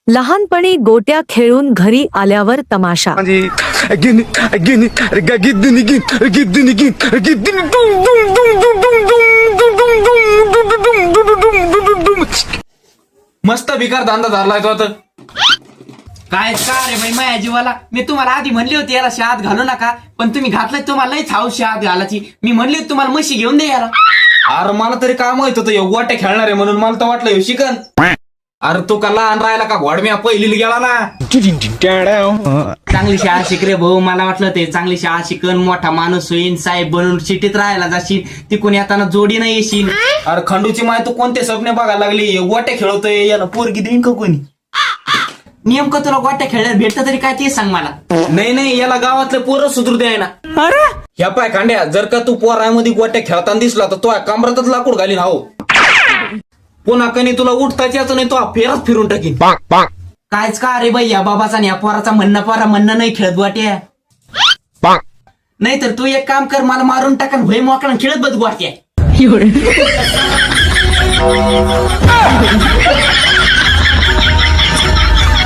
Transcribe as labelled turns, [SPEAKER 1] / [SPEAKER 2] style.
[SPEAKER 1] लहानपणी गोट्या खेळून घरी आल्यावर तमाशा.
[SPEAKER 2] मस्त भिकार धंदा धरलाय तो आता.
[SPEAKER 3] काय का रे बाई माझ्या जीवाला, मी तुम्हाला आधी म्हणली होती याला शाळेत घालू नका, पण तुम्ही घातलंय. तुम्हाला लईच हाऊस शाळेत घालायची. मी म्हणली होती तुम्हाला म्हशी घेऊन दे याला.
[SPEAKER 2] अरे मला तरी काय माहित होतं गोट्या खेळणार आहे म्हणून. मला तर वाटलं ह्यो शिकन. अरे तो का लहान राहिला का घोडम्या पहिलीला गेला ना.
[SPEAKER 3] चांगली शाळा शिक रे भाऊ. मला वाटलं ते चांगली शाळा शिकन, मोठा माणूस होईन, साहेब बनून सिटीत राहायला जाशील, तिकून येताना जोडी नाही येशील.
[SPEAKER 2] अरे खंडूची माय तू कोणते स्वप्ने बघायला लागली. गोट्या खेळतोय याला पोरगी देईन का कोणी.
[SPEAKER 3] नेमकं तुला गोट्या खेळण्यात भेटतं तरी काय ते सांग मला.
[SPEAKER 2] नाही याला गावातले पोरं सुधरू द्याय ना.
[SPEAKER 3] अरे
[SPEAKER 2] ह्या पाय खांड्या, जर का तू पोरामध्ये गोट्या खेळताना दिसला तर तो कमरातच लाकूड घालीन. हो पुन्हा कणी तुला उठताच याचं नाही, तो फेरच फिरून टाकीन.
[SPEAKER 3] कायच का रे बाई, या बाबाचा आणि या पोराचा म्हणणं नाही खेळत गोट्या. नाही तर तू एक काम कर, मला मारून टाकन भय मोकळा खेळत बस गोट्या.